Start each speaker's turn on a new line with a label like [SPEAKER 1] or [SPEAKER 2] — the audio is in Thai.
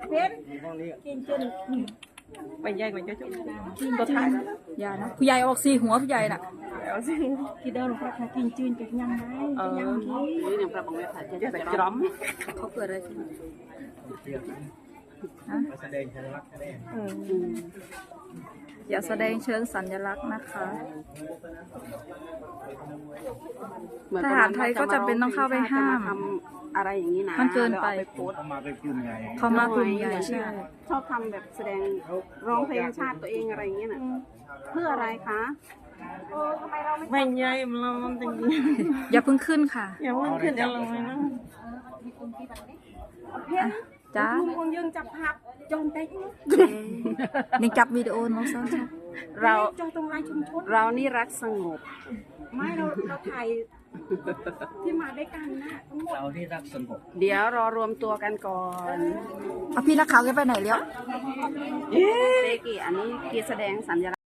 [SPEAKER 1] เพชรกินจนไปใหญ่กว่าจะจบตัวท้าย
[SPEAKER 2] อย่านะผู้ใหญ่ออกสีหัวผู้ใหญ่น่ะ
[SPEAKER 1] เอาสิกินเดินลงไปกินจืนจะยังไงนี่เนี่ยปลาบองแม่ผัดจะใส่จอม
[SPEAKER 2] เขาเกิดอะไรขึ้น
[SPEAKER 3] แสดงสัญลักษณ์แสดง
[SPEAKER 2] อย่าแสดงเชิงสัญลักษณ์นะคะทหารไทยก็จะเป็นต้องเข้าไปห้าม
[SPEAKER 1] อะไรอย่างนี้นะ
[SPEAKER 2] มันเกินไป
[SPEAKER 3] เขามาเป็นกลุ่มใหญ่
[SPEAKER 2] เขามากลุ่มใหญ่ใช่
[SPEAKER 1] ชอบทำแบบแสดงร้องเพลงชาติตัวเองอะไรอย่างเงี้ยน่ะเพื่ออะไรคะไม่ใหญ่เราจริง
[SPEAKER 2] อย่าเพิ่งขึ้นค่ะ
[SPEAKER 1] อย่าเพิ่งขึ้นอะไรนะ
[SPEAKER 2] จ้า
[SPEAKER 1] คงยังจับภาพจนเต็ก
[SPEAKER 2] ยังจับวิดีโอน้องซ้อน
[SPEAKER 1] เราตรงไลน์ชุมชนเรานี่รักสงบไม่เราถ่ายที่มาด้วยกันนะทั้งหมด
[SPEAKER 3] เราที่รักสงบ
[SPEAKER 1] เดี๋ยวรอรวมตัวกันก่อน
[SPEAKER 2] เอาพี่นักข่าวแกไปไหนแล้ว
[SPEAKER 1] เตกี้อันนี้กีแสดงสัญลักษณ์